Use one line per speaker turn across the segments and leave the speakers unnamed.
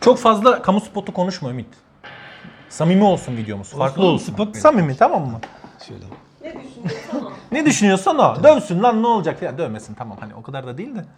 Çok fazla kamu spotu konuşma Ümit. Samimi olsun videomuz. Farklı olsun.
Spot
Samimi, tamam mı?
şöyle.
Ne düşünüyorsan o.
Ne düşünüyorsan o. Dövsün lan, ne olacak ya, dövmesin, tamam, hani o kadar da değil de.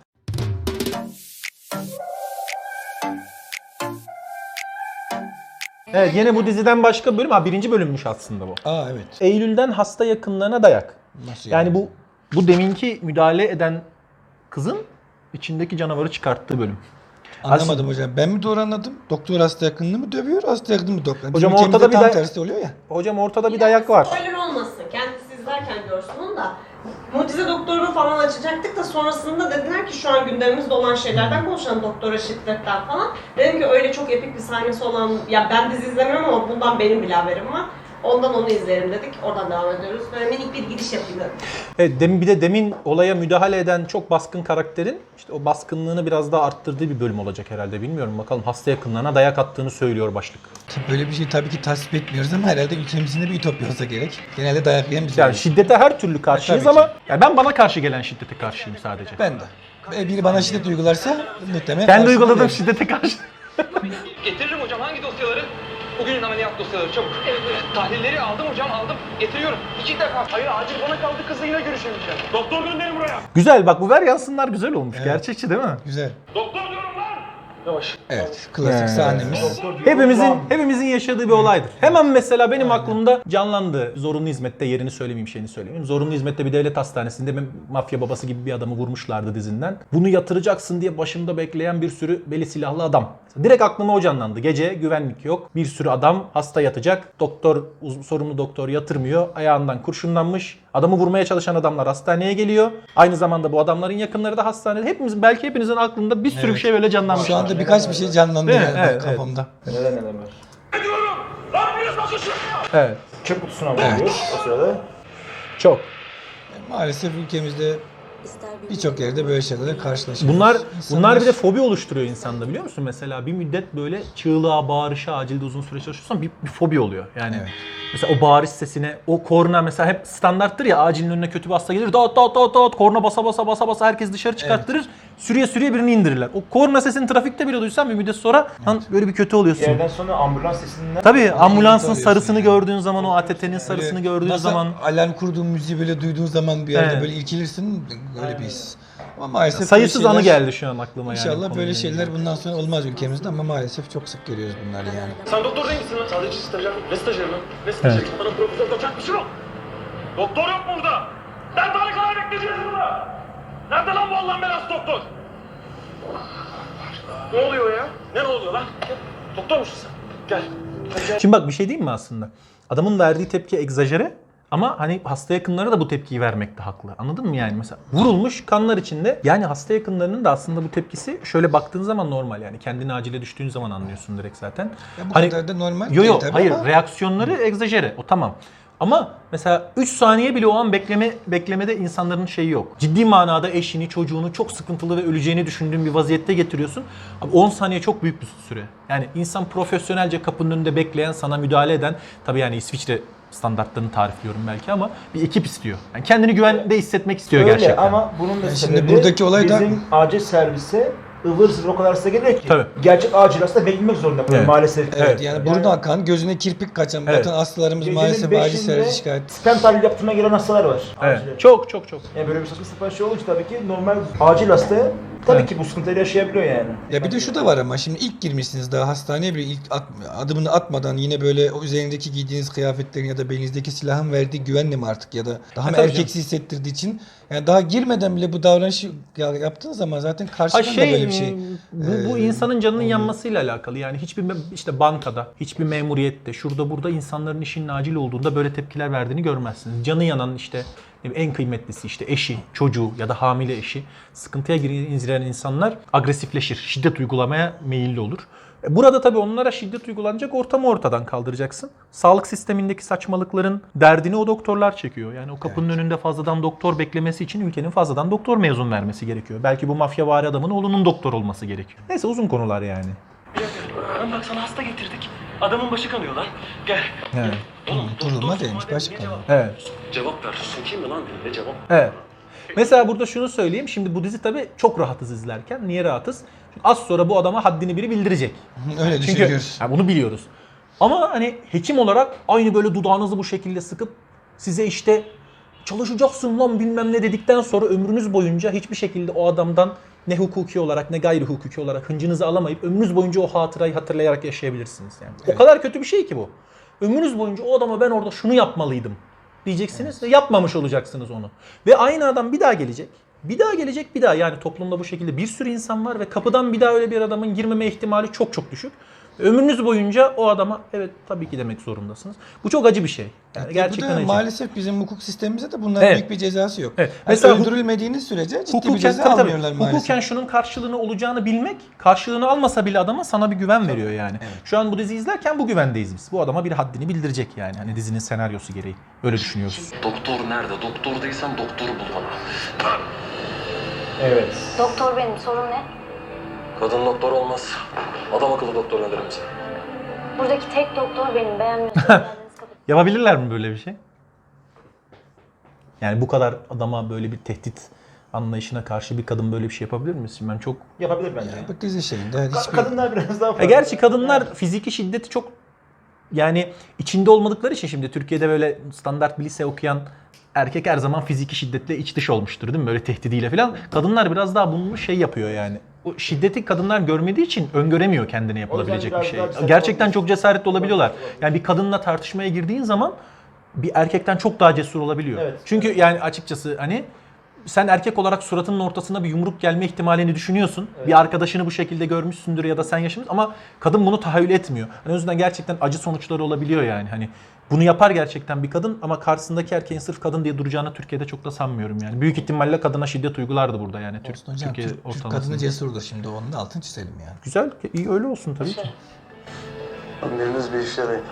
Evet, yine bu diziden başka bölüm. Birinci bölümmüş aslında bu.
Evet.
Eylül'den hasta yakınlarına dayak.
Nasıl
Yani bu deminki müdahale eden kızın içindeki canavarı çıkarttığı bölüm.
Anlamadım hocam. Ben mi doğru anladım? Doktor hasta yakınını mı dövüyor, hasta yakınını mı doktor?
Hocam
Bizim
ortada
ülkemizde
bir
tam
de-
tersi oluyor ya.
Hocam ortada bir dayak var.
Spoiler olmasın. Kendisi izlerken görsün onu da. Mucize Doktoru'nu falan açacaktık da sonrasında dediler ki şu an gündemimizde olan şeylerden konuşalım, doktora şiddetten falan. Dedim ki öyle çok epik bir sahnesi olan, ya ben dizi izlemiyorum ama bundan benim bile haberim var. Ondan onu izleyelim dedik. Oradan devam ediyoruz. Böyle minik bir giriş yapayım dedim.
Evet, bir de demin olaya müdahale eden çok baskın karakterin işte o baskınlığını biraz daha arttırdığı bir bölüm olacak herhalde. Bilmiyorum, bakalım, hasta yakınlarına dayak attığını söylüyor başlık.
Böyle bir şey tabii ki tasvip etmiyoruz ama herhalde ülkemizin de bir ütopya olsa gerek. Genelde dayak yiyen biz
Yani
oluyoruz.
şiddete her türlü karşıyız
Tabii ki.
ama yani ben bana karşı gelen şiddete karşıyım sadece.
Ben de. Biri bana şiddet uygularsa muhtemelen...
Kendi
karşısında
uyguladığım
yerim.
şiddete karşı.
Getiririm hocam, hangi dosyaları? Bugünün ameliyat dosyaları, çabuk. Evet, tahlilleri aldım hocam, aldım. Getiriyorum. 2 defa. Hayır, acil bana kaldı, kızla yine görüşemeyeceğim. Doktor gönderin buraya.
Güzel, bak bu ver yansınlar güzel olmuş.
Evet.
Gerçekçi değil mi?
Güzel.
Doktor diyorum lan. Yavaş.
Evet. Klasik sahnemiz.
Hepimizin yaşadığı bir olaydır. Hemen mesela benim aklımda canlandı. Zorunlu hizmette, yerini söylemeyeyim, şeyini söylemeyeyim. Zorunlu hizmette bir devlet hastanesinde mafya babası gibi bir adamı vurmuşlardı dizinden. Bunu yatıracaksın diye başımda bekleyen bir sürü beli silahlı adam. Direkt aklıma o canlandı. Gece güvenlik yok. Bir sürü adam hasta yatacak. Doktor, sorumlu doktor yatırmıyor. Ayağından kurşunlanmış. Adamı vurmaya çalışan adamlar hastaneye geliyor. Aynı zamanda bu adamların yakınları da hastanede. Belki hepinizin aklında bir sürü bir şey böyle canlanmış.
Şu anda birkaç bir şey canlandı
Değil mi?
yani
Evet,
kafamda.
Neler var.
Ne diyorum? Lan biriniz bakın şuraya.
Evet.
Çöp kutusuna vuruyor o sırada.
Çok.
Maalesef ülkemizde birçok yerde böyle şeylerle karşılaşıyoruz.
Bunlar bir de fobi oluşturuyor insanda, biliyor musun? Mesela bir müddet böyle çığlığa, bağırışa, acilde uzun süre çalışıyorsan bir fobi oluyor. Yani
Evet.
mesela o bağırış sesine, o korna mesela hep standarttır ya, acilin önüne kötü bir hasta gelir. Dağıt dağıt dağıt dağıt, korna basa basa basa basa herkes dışarı çıkarttırır. Sürüye sürüye birini indirirler. O korna sesini trafikte bile duysan bir müddet sonra böyle bir kötü
Bir
oluyorsun.
yerden sonra ambulans sesinden...
Tabii ambulansın
alıyorsun
sarısını
yani.
gördüğün zaman, o ATT'nin sarısını
Böyle
gördüğün
nasıl
zaman
alarm kurduğun müziği böyle duyduğun zaman bir yerde
Evet.
böyle irkilirsin, öyle bir his. Ama maalesef
sayısız
böyle
anı
şeyler-
geldi şu an aklıma yani.
İnşallah
konuyla
böyle
ilgili.
şeyler bundan sonra olmaz ülkemizde ama maalesef çok sık görüyoruz bunları yani.
Sen doktor değil misin lan? Sadece stajyer. Ne stajyeri lan? Ne stajyeri? Bana profesör doçent bir şey yok. Doktor yok mu burada? Ben daha ne kadar bekleyeceğiz burada? Nerede lan bu Allah'ın belası doktor? Ne oluyor ya? Ne oluyor lan? Doktor musun sen? Gel.
Şimdi bak, bir şey diyeyim mi aslında? Adamın verdiği tepki egzajere ama hani hasta yakınları da bu tepkiyi vermekte haklı. Anladın mı yani? Mesela vurulmuş, kanlar içinde. Yani hasta yakınlarının da aslında bu tepkisi şöyle baktığın zaman normal yani. Kendini acile düştüğün zaman anlıyorsun direkt zaten.
Ya bu kadar da normal
Yo
değil tabii
hayır,
ama-
reaksiyonları egzajere, o tamam. Ama mesela 3 saniye bile o an beklemede insanların şeyi yok. Ciddi manada eşini, çocuğunu çok sıkıntılı ve öleceğini düşündüğün bir vaziyette getiriyorsun. Abi 10 saniye çok büyük bir süre. Yani insan profesyonelce kapının önünde bekleyen, sana müdahale eden, tabii yani İsviçre standartlarını tarifliyorum belki ama bir ekip istiyor. Yani kendini güvende hissetmek istiyor
Öyle
gerçekten.
ama bunun da
Yani
sebebi
şimdi buradaki olay da-
bizim acil servise ıvır zıvır o kadar hasta geliyor ki.
Tabii.
Gerçek acil hasta beklemek zorunda
Evet.
maalesef.
Evet, yani burnu akan, gözüne kirpik kaçan,
Evet.
bakın hastalarımız
Gecenin
maalesef acil
beşinde
servis şikayet.
stent tahlili yaptırmaya gelen hastalar var.
Evet.
acile.
Çok.
Yani böyle bir saçma sapan şey olunca tabii ki normal acil hasta tabii ki bu sıkıntıları yaşayabiliyor yani.
Ya bir de şu da var ama şimdi ilk girmişsiniz daha hastaneye bile ilk adımını atmadan yine böyle o üzerindeki giydiğiniz kıyafetlerin ya da belinizdeki silahın verdiği güvenle mi artık ya da daha mı
tabii
erkeksi hissettirdiği için yani daha girmeden bile bu davranışı yaptığın zaman zaten karşıdan da böyle bir şey.
Bu insanın canının yanmasıyla alakalı. Yani hiçbir işte bankada, hiçbir memuriyette, şurada burada insanların işinin acil olduğunda böyle tepkiler verdiğini görmezsiniz. Canı yanan işte en kıymetlisi işte eşi, çocuğu ya da hamile eşi sıkıntıya giren insanlar agresifleşir, şiddet uygulamaya meyilli olur. Burada tabii onlara şiddet uygulanacak ortamı ortadan kaldıracaksın. Sağlık sistemindeki saçmalıkların derdini o doktorlar çekiyor. Yani o kapının önünde fazladan doktor beklemesi için ülkenin fazladan doktor mezun vermesi gerekiyor. Belki bu mafyavari adamın oğlunun doktor olması gerekiyor. Neyse, uzun konular yani.
Bak sana hasta getirdik. Adamın başı kanıyor lan. Gel.
Evet.
Oğlum,
Durulma
doktor
değilmiş,
sorma
başı
dedi,
kanıyor.
cevap-
Evet.
Cevap ver. Sokayım mı lan diye cevap.
Evet. Mesela burada şunu söyleyeyim. Şimdi bu dizi tabii çok rahatız izlerken. Niye rahatız? Çünkü az sonra bu adama haddini biri bildirecek.
Öyle
Çünkü
düşünüyoruz.
yani bunu biliyoruz. Ama hani hekim olarak aynı böyle dudağınızı bu şekilde sıkıp size işte çalışacaksın lan bilmem ne dedikten sonra ömrünüz boyunca hiçbir şekilde o adamdan ne hukuki olarak ne gayri hukuki olarak hıncınızı alamayıp ömrünüz boyunca o hatırayı hatırlayarak yaşayabilirsiniz yani. O kadar kötü bir şey ki bu. Ömrünüz boyunca o adama ben orada şunu yapmalıydım diyeceksiniz ve yapmamış olacaksınız onu. Ve aynı adam bir daha gelecek. Bir daha gelecek bir daha, yani toplumda bu şekilde bir sürü insan var ve kapıdan bir daha öyle bir adamın girmeme ihtimali çok çok düşük. Ömrünüz boyunca o adama evet tabii ki demek zorundasınız. Bu çok acı bir şey. Yani gerçekten
Bu da
acı.
maalesef bizim hukuk sistemimizde de bunların
Evet.
büyük bir cezası yok.
Evet.
Mesela
Mesela
öldürülmediğiniz sürece ciddi bir
Hukuken,
ceza
tabii,
almıyorlar maalesef.
hukuken şunun karşılığını olacağını bilmek, karşılığını almasa bile adama sana bir güven veriyor yani. Şu an bu diziyi izlerken bu güvendeyiz biz. Bu adama bir haddini bildirecek yani. Hani dizinin senaryosu gereği. Öyle düşünüyoruz.
Doktor nerede? Doktor değilsen doktoru bul bana.
Evet.
Doktor benim, sorun ne?
Kadın doktor olmaz. Adam akıllı doktor gönderir misin?
Buradaki tek doktor benim, beğenmiyorsanız geldiniz kapatın.
Yapabilirler mi böyle bir şey? Yani bu kadar adama böyle bir tehdit anlayışına karşı bir kadın böyle bir şey yapabilir mi? Şimdi ben çok...
Yapabilir bence.
Bu dizi şeyinde hiçbir...
Kadınlar biraz daha fazla.
Gerçi kadınlar fiziki şiddeti çok... Yani içinde olmadıkları için şimdi Türkiye'de böyle standart bir lise okuyan erkek her zaman fiziki şiddetle iç dış olmuştur değil mi? Böyle tehdidiyle falan. Kadınlar biraz daha bunu şey yapıyor yani. O şiddeti kadınlar görmediği için öngöremiyor kendine yapılabilecek
O
bir
yüzden
şey.
biraz daha
Gerçekten
cesaretli
çok cesaretli olabiliyorlar. Yani bir kadınla tartışmaya girdiğin zaman bir erkekten çok daha cesur olabiliyor.
Evet.
Çünkü yani açıkçası hani sen erkek olarak suratının ortasına bir yumruk gelme ihtimalini düşünüyorsun.
Evet.
Bir arkadaşını bu şekilde görmüşsündür ya da sen yaşamışsın ama kadın bunu tahayyül etmiyor. Hani o yüzden gerçekten acı sonuçları olabiliyor yani. Hani bunu yapar gerçekten bir kadın ama karşısındaki erkeğin sırf kadın diye duracağını Türkiye'de çok da sanmıyorum yani. Büyük ihtimalle kadına şiddet uygulardı burada yani.
Olsun hocam,
Türkiye
Türk
ortalamasında.
kadını cesurdur şimdi, onun da altını çizelim yani.
Güzel, iyi öyle olsun tabii ki.
Biriniz bir işe yarayın.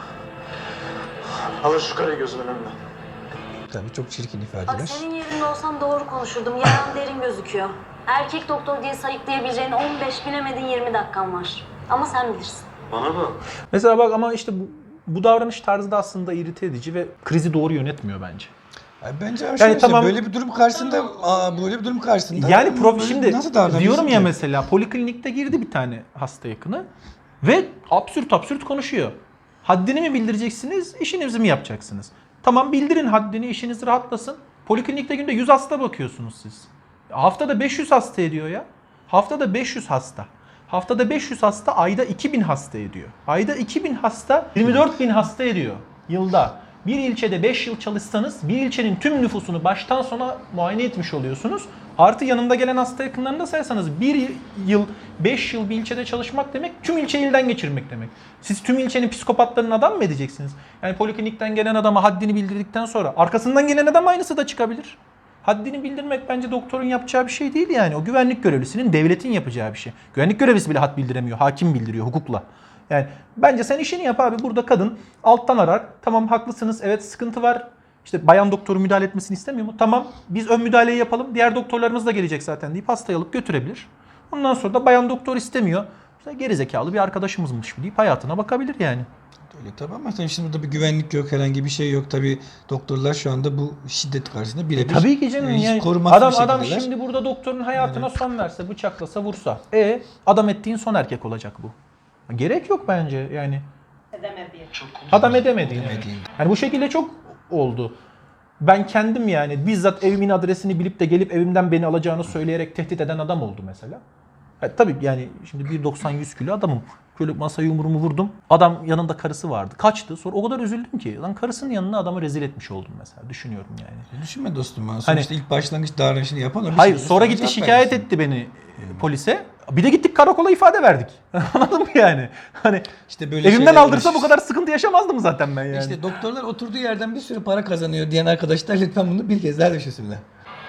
Alın şu karayı gözümün önünden.
Tabii çok çirkin
Bak
ifadeler.
senin yerinde olsam doğru konuşurdum, yaran derin gözüküyor. Erkek doktor diye sayıklayabileceğin 15, bilemedin 20 dakikan var. Ama sen bilirsin.
Bana bak.
Mesela bak ama işte bu davranış tarzı da aslında irite edici ve krizi doğru yönetmiyor bence.
Bence
Yani
şöyle,
tamam.
böyle bir durum karşısında, böyle bir durum karşısında
Yani
böyle
şimdi
nasıl davranıyorsun
diyorum ya
ki?
mesela poliklinikte girdi bir tane hasta yakını ve absürt konuşuyor. Haddini mi bildireceksiniz, işinizi mi yapacaksınız? Tamam bildirin haddini, işiniz rahatlasın. Poliklinikte günde 100 hasta bakıyorsunuz siz. Haftada 500 hasta ediyor ya. Haftada 500 hasta. Haftada 500 hasta ayda 2000 hasta ediyor. Ayda 2000 hasta 24.000 hasta ediyor yılda. Bir ilçede 5 yıl çalışsanız bir ilçenin tüm nüfusunu baştan sona muayene etmiş oluyorsunuz. Artı yanında gelen hasta yakınlarını da sayarsanız 1 yıl 5 yıl bir ilçede çalışmak demek tüm ilçeyi elden geçirmek demek. Siz tüm ilçenin psikopatlarını adam mı edeceksiniz? Yani poliklinikten gelen adama haddini bildirdikten sonra arkasından gelen adam aynısı da çıkabilir. Haddini bildirmek bence doktorun yapacağı bir şey değil yani. O güvenlik görevlisinin, devletin yapacağı bir şey. Güvenlik görevlisi bile had bildiremiyor. Hakim bildiriyor hukukla. Yani bence sen işini yap abi. Burada kadın alttan arar. Tamam haklısınız. Evet sıkıntı var. İşte bayan doktoru müdahale etmesini istemiyor mu? Tamam biz ön müdahaleyi yapalım. Diğer doktorlarımız da gelecek zaten deyip hastayı alıp götürebilir. Ondan sonra da bayan doktor istemiyor. İşte gerizekalı bir arkadaşımızmış deyip hayatına bakabilir yani.
Öyle tabii ama tabii şimdi burada bir güvenlik yok, herhangi bir şey yok. Tabii doktorlar şu anda bu şiddet karşısında birebir.
Tabii ki canım
hiç
yani
korumasız bir
adam
şekildeler.
şimdi burada doktorun hayatına son verse, bıçaklasa, vursa. Adam ettiğin son erkek olacak bu. Gerek yok bence yani.
Edemedi.
Adam edemediğin.
Edemediğin.
Yani bu şekilde çok oldu. Ben kendim yani bizzat evimin adresini bilip de gelip evimden beni alacağını söyleyerek tehdit eden adam oldu mesela. Tabii yani şimdi 1.90-100 kilo adamım. Şöyle masaya yumruğumu vurdum. Adam yanında karısı vardı. Kaçtı. Sonra o kadar üzüldüm ki. Lan karısının yanına adamı rezil etmiş oldum mesela. Düşünüyorum yani.
Düşünme dostum. Sonuçta ilk başlangıç davranışını yapan o.
Hayır
Bir şey
sonra
cevap
gitti şikayet
versin.
etti beni polise. Bir de gittik karakola ifade verdik. Anladın mı yani? Hani
İşte böyle
evimden
şeyler
aldırsa bu
uğraşıyoruz.
kadar sıkıntı yaşamazdım zaten ben yani.
İşte doktorlar oturduğu yerden bir sürü para kazanıyor diyen arkadaşlar lütfen bunu bir kez daha düşünsünler.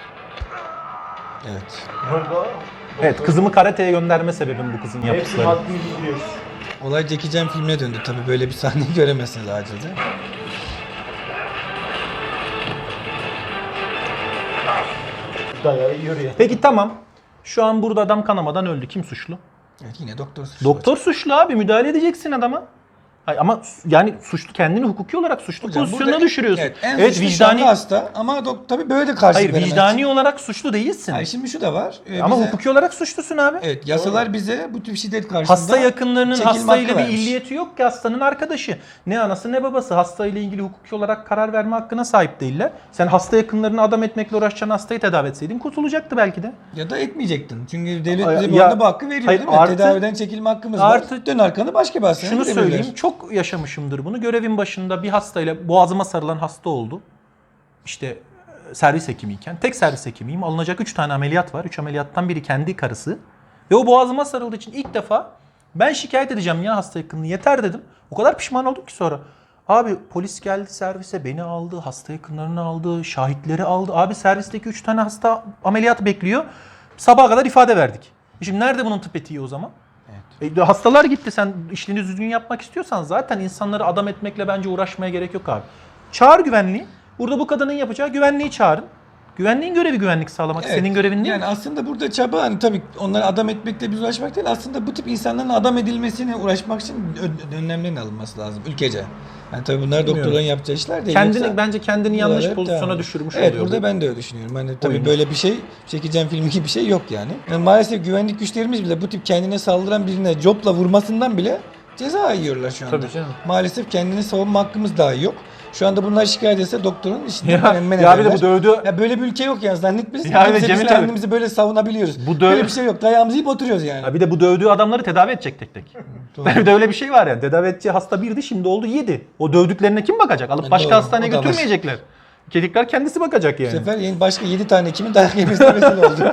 Evet.
Burada
Evet kızımı karateye gönderme sebebim bu kızın
hepsinin
yaptıkları.
haddini bildiriyoruz.
Olay Jackie Chan filmine döndü. Tabii böyle bir sahneyi göremezsiniz acilde.
Dayağı yiyor ya.
Peki tamam. Şu an burada adam kanamadan öldü. Kim suçlu?
Evet yine doktor suçlu.
Doktor suçlu abi. Müdahale edeceksin adama. Hayır, ama yani suçlu, kendini hukuki olarak suçlu
Hocam
pozisyonuna
burada-
düşürüyorsun.
Evet, en
Evet,
suçlu şu anda
vicdani.
hasta ama tabii böyle de karşı
Hayır,
veremez.
vicdani olarak suçlu değilsin.
Hayır, şimdi şu da var.
Ama
Bize-
hukuki olarak suçlusun abi.
Evet, yasalar bize bu tip şiddet karşısında
Hasta yakınlarının
çekilme
hastayla
hakkı
bir
vermiş.
illiyeti yok ki, hastanın arkadaşı. Ne anası ne babası hastayla ilgili hukuki olarak karar verme hakkına sahip değiller. Sen hasta yakınlarını adam etmekle uğraşacağın hastayı tedavi etseydin kurtulacaktı belki de.
Ya da etmeyecektin. Çünkü devlet
Ay-
bize bu
ya-
anda bu hakkı veriyor
hayır,
değil mi?
artı-
Tedaviden çekilme hakkımız
artı-
var. Dön arkanı başka bir hastaneye
Şunu
gidebilirler.
söyleyeyim, çok yaşamışımdır bunu. Görevin başında bir hastayla boğazıma sarılan hasta oldu. İşte servis hekimiyken, tek servis hekimiyim. Alınacak 3 tane ameliyat var. 3 ameliyattan biri kendi karısı. Ve o boğazıma sarıldığı için ilk defa ben şikayet edeceğim ya hasta yakınını, yeter dedim. O kadar pişman oldum ki sonra. Abi polis geldi servise, beni aldı, hasta yakınlarını aldı, şahitleri aldı. Abi servisteki 3 tane hasta ameliyat bekliyor. Sabaha kadar ifade verdik. Şimdi nerede bunun tıp etiği o zaman? Hastalar gitti. Sen işini düzgün yapmak istiyorsan zaten insanları adam etmekle bence uğraşmaya gerek yok abi. Çağır güvenliği. Burada bu kadının yapacağı güvenliği çağırın. Güvenliğin görevi güvenlik sağlamak.
Evet.
Senin görevin değil
Yani
mi?
aslında burada çaba hani tabii onları adam etmekle biz uğraşmak değil. Aslında bu tip insanların adam edilmesine uğraşmak için önlemlerin alınması lazım ülkece. Yani tabii bunlar doktorların yapacağı işler değil. Yoksa
Bence kendini yanlış
buralar hep
pozisyona
devam.
düşürmüş
Evet,
oluyor.
burada
bu.
ben de öyle düşünüyorum. Hani tabii
Oyunu.
böyle bir şey çekeceğim film gibi bir şey yok yani. Yani maalesef güvenlik güçlerimiz bile bu tip kendine saldıran birine copla vurmasından bile ceza yiyorlar şu anda.
Tabii canım.
Maalesef kendini savunma hakkımız dahi yok. Şu anda bunlar şikayet etse doktorun işinden
Ya,
men
ya bir de
ederler.
bu dövdü.
Ya böyle bir ülke yok yani zannetmesin.
Ya bir de
Biz
Cemil abi-
kendimizi böyle savunabiliyoruz.
Bu
Böyle bir şey yok. Dayağımızı yiyip oturuyoruz yani.
Ya bir de bu dövdüğü adamları tedavi edecek tek tek. Bir de öyle bir şey var yani. Tedavi edeceği hasta birdi, şimdi oldu 7. O dövdüklerine kim bakacak? Alıp başka
Doğru,
hastaneye
o da var.
götürmeyecekler. Kedikler kendisi bakacak
Bu
yani.
sefer yeni başka 7 tane kimin dayak yemesine vesile oldu.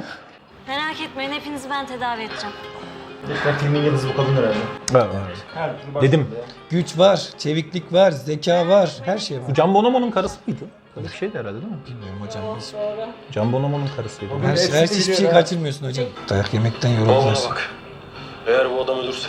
Merak etmeyin, hepinizi ben tedavi edeceğim.
Lütfen filmin yıldızı bu kadın herhalde. Her türlü
Dedim.
Güç var, çeviklik var, zeka var, her şey var.
Bu Can Bonomo'nun karısı mıydı? Öyle bir şeydi herhalde değil mi?
Bilmiyorum hocam. Hiç.
Can Bonomo'nun karısıydı.
Her hiçbir şey kaçırmıyorsun hocam. Dayak yemekten yorulacağız.
bak. Eğer bu adam ölürse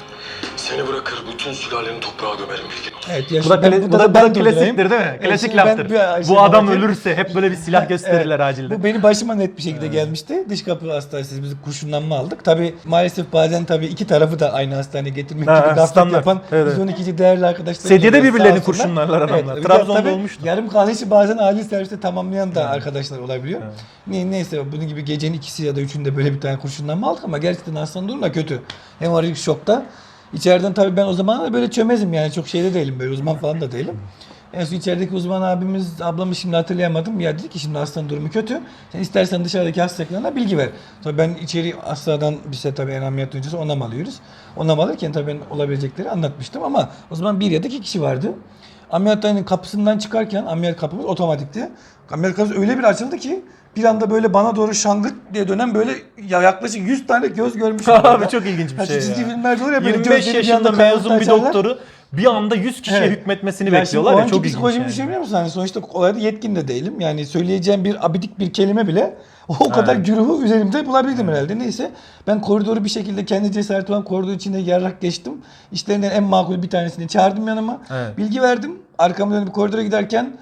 seni bırakır bütün sülaleni toprağa gömerim bilgin olsun.
Evet,
Bu da,
ben
klasiktir
durdurayım.
değil mi? Klasik
şimdi ben
laftır.
bir-
Bu adam
bakayım.
ölürse hep böyle bir silah gösterirler acilde.
Bu benim başıma net bir şekilde gelmişti. Dış kapı hastanesi biz kurşunlanma aldık. Tabii maalesef bazen tabii iki tarafı da aynı hastaneye getirmek
Ha,
gibi gaflet
standart.
yapan
Evet,
112'ci değerli arkadaşlar.
Sedyede
oluyor,
birbirlerini
sağ olsunlar.
kurşunlarlar adamlar.
bir de
Trabzon'da
tabii
olmuştu.
Yarım kalan işi bazen acil serviste tamamlayan da arkadaşlar olabiliyor. Neyse bunun gibi gecenin ikisi ya da üçünde böyle bir tane kurşunlanma aldık ama gerçekten hastanın durumu da kötü. Hemorajik şokta. İçeriden tabii ben o zaman da böyle çömezim yani çok şeyde değilim böyle uzman falan da değilim. En son içerideki uzman abimiz, ablamı şimdi hatırlayamadım. Ya dedi ki şimdi hastanın durumu kötü. Sen istersen dışarıdaki hastalarına bilgi ver. Tabii ben içeri hastadan bize tabii en ameliyat öncesi onam alıyoruz. Onam alırken tabii ben olabilecekleri anlatmıştım ama o zaman bir ya da iki kişi vardı. Ameliyathanenin kapısından çıkarken ameliyat kapımız otomatikti. Ameliyat kapısı öyle bir açıldı ki bir anda böyle bana doğru şangırt diye dönen böyle yaklaşık 100 tane göz görmüşüm.
Abi çok ilginç bir
Ya
şey
çizgi
ya.
filmlerde olur ya böyle
25
gözleri bir
yaşında
anda
mezun bir
açarlar.
doktoru bir anda 100 kişiye
Evet.
hükmetmesini
Ya
bekliyorlar
şimdi
ya,
o
çok
anki
ilginç
psikolojimi
yani.
düşünebiliyor musun? Hani sonuçta olayda yetkin de değilim. Yani söyleyeceğim bir abidik bir kelime bile o kadar güruhu üzerimde bulabildim herhalde. Neyse ben koridoru bir şekilde kendi cesaretimle koridor içinde yarrak geçtim. İşlerinden en makul bir tanesini çağırdım yanıma.
Evet.
Bilgi verdim. Arkamı dönüp koridora giderken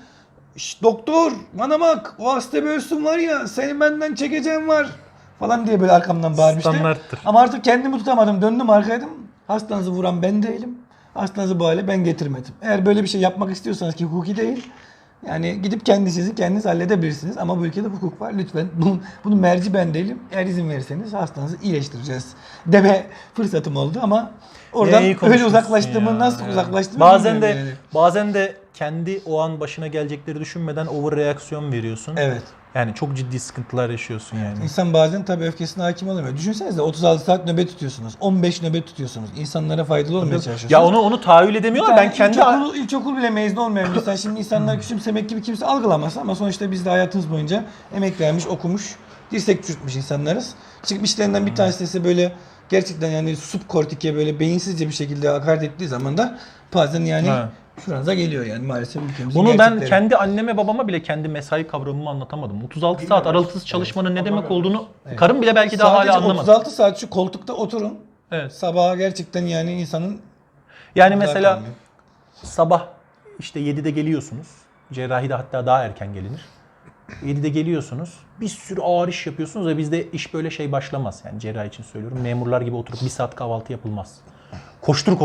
doktor bana bak o hasta bir ölsün var ya senin benden çekeceğin var falan diye böyle arkamdan bağırmıştı.
Standarttır.
Ama artık kendimi tutamadım. Döndüm arkaydım. Hastanızı vuran ben değilim. Hastanızı bu hale ben getirmedim. Eğer böyle bir şey yapmak istiyorsanız ki hukuki değil. Yani gidip kendiniz halledebilirsiniz. Ama bu ülkede hukuk var. Lütfen bunun merci ben değilim. Eğer izin verirseniz hastanızı iyileştireceğiz deme fırsatım oldu ama oradan
İyi
öyle
konuşmuşsun
uzaklaştığımı
ya.
nasıl
Yani.
uzaklaştığımı
Bazen de
bilmiyorum yani.
bazen de kendi o an başına gelecekleri düşünmeden overreaksiyon veriyorsun.
Evet.
Yani çok ciddi sıkıntılar yaşıyorsun yani.
İnsan bazen tabii öfkesine hakim olamıyor. Düşünsenize 36 saat nöbet tutuyorsunuz. 15 nöbet tutuyorsunuz. İnsanlara faydalı olmaya çalışıyorsunuz.
Ya onu tahayyül edemiyorlar. Ben kendi
ilkokul bile mezun olmayan bir insan şimdi insanlar küçümsemek gibi kimse algılamaz ama sonuçta biz de hayatımız boyunca emek vermiş, okumuş, dirsek çürütmüş insanlarız. Çıkmışlarından bir tanesi ise böyle gerçekten yani subkortike böyle beyinsizce bir şekilde hakaret ettiği zaman da bazen yani
Ha.
şuranıza geliyor yani maalesef ülkemizin
Bunu ben
gerçekleri.
kendi anneme babama bile kendi mesai kavramımı anlatamadım. 36 saat aralıksız çalışmanın ne demek olduğunu karım bile belki daha
Sadece
hala anlamadı.
36 saat şu koltukta oturun.
Evet.
Sabaha gerçekten yani insanın
Yani
Güzel
mesela
kalmıyor.
sabah işte 7'de geliyorsunuz. Cerrahide hatta daha erken gelinir. 7'de geliyorsunuz. Bir sürü ağır iş yapıyorsunuz ve bizde iş böyle şey başlamaz. Yani cerrahi için söylüyorum. Memurlar gibi oturup bir saat kahvaltı yapılmaz. Koştur koştur.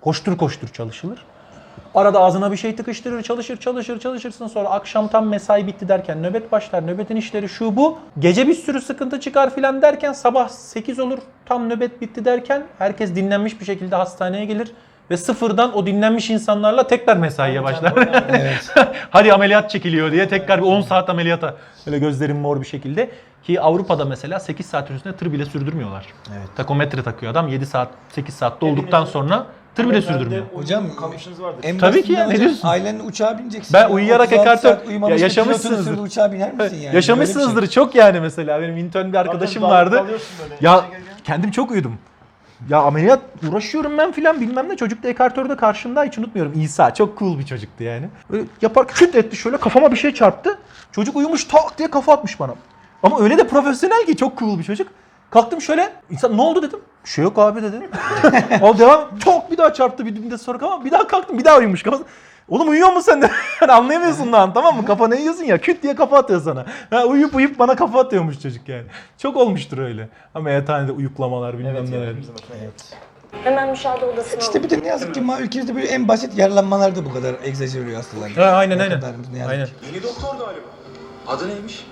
Koştur koştur çalışılır. Arada ağzına bir şey tıkıştırır, çalışırsın, sonra akşam tam mesai bitti derken nöbet başlar, nöbetin işleri şu bu. Gece bir sürü sıkıntı çıkar filan derken sabah 8 olur, tam nöbet bitti derken herkes dinlenmiş bir şekilde hastaneye gelir. Ve sıfırdan o dinlenmiş insanlarla tekrar mesaiye başlar.
Evet.
Hadi ameliyat çekiliyor diye tekrar bir 10 saat ameliyata. Böyle gözlerim mor bir şekilde. Ki Avrupa'da mesela 8 saat üstünde tır bile sürdürmüyorlar.
Evet.
Takometre takıyor adam 7 saat 8 saatte olduktan sonra tır bile sürdürmüyor.
Hocam
kalmışınız vardır.
en
Tabii ki ya,
basitinden
ne
hocam,
diyorsun?
ailenle uçağa bineceksin.
Ben uyuyarak
36
ekartör-
saat uyumamış
Ya
bir pilotun
yaşamışsınızdır.
sürdüğü uçağa biner misin yani?
Yaşamışsınızdır
Böyle bir şey.
çok yani mesela. Benim intern bir arkadaşım
Zaten
vardı.
dalıyorsun böyle.
Ya
İşe gelirken.
kendim çok uyudum. Ya ameliyat uğraşıyorum ben filan bilmem ne. Çocuk da ekartörde karşımda hiç unutmuyorum. İsa çok cool bir çocuktu yani. Böyle yapar küt etti şöyle kafama bir şey çarptı. Çocuk uyumuş tak diye kafa atmış bana. Ama öyle de profesyonel ki çok cool bir çocuk. Kalktım şöyle. İnsan ne oldu dedim. Bir şey yok abi dedi. O devam çok bir daha çarptı bir de sonra ama bir daha kalktım bir daha uyumuş. Oğlum uyuyor musun sen de? Yani anlayamıyorsun lan tamam mı? Kafana yiyorsun ya küt diye kafa atıyor sana. Ha, uyuyup bana kafa atıyormuş çocuk yani. Çok olmuştur öyle. Ama yatağında uyuklamalar bilmem
Evet,
neler.
hepimizin başına geldi.
Hemen müşahede odasına
İşte bir de ne yazık ki ülkemizde böyle en basit yaralanmalar da bu kadar egzajere oluyor hastalar.
Ha, aynen
Ne
aynen.
kadar ne yazık
Aynen.
ki.
Yeni doktor galiba. Adı neymiş?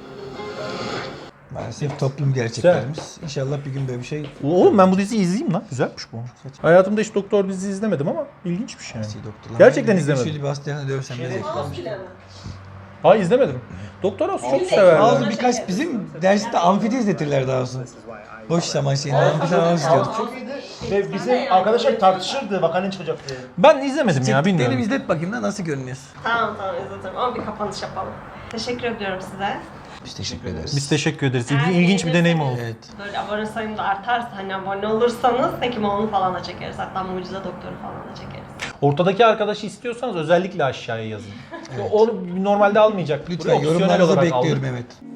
Maalesef toplum gerçeklerimiz. İnşallah bir gün böyle bir şey
Oğlum ben bu diziyi izleyeyim lan. Güzelmiş bu. Hayatımda hiç doktor dizi izlemedim ama ilginçmiş yani.
doktorlar.
Gerçekten
Ben
izlemedim.
Şöyle bir hastanede dövsem ne zevk almış.
Ha izlemedim. Doktor House çok severdim.
Bazı birkaç bizim derste amfide izletirler daha olsun. Boş zaman şeyinde amfide falan izliyorduk.
Çok iyiydi. Ve bizim arkadaşlar tartışırdı vaka ne çıkacak diye.
Ben izlemedim ya
Çektiklerini
bilmiyorum.
izlet bakayım da nasıl görünüyor.
Tamam izletelim ama bir kapanış yapalım. Teşekkür ediyorum size.
Biz teşekkür ederiz.
Biz teşekkür ederiz.
Eğer
İlginç bir deneyim oldu.
Evet.
Böyle abone sayım da artarsa hani abone olursanız Hekimoğlu'nu falan da çekeriz. Hatta Mucize Doktor'u falan da çekeriz.
Ortadaki arkadaşı istiyorsanız özellikle aşağıya yazın. Onu normalde almayacak.
Lütfen
Opsiyonel
yorumlarınızı
olarak
bekliyorum
aldık.
evet.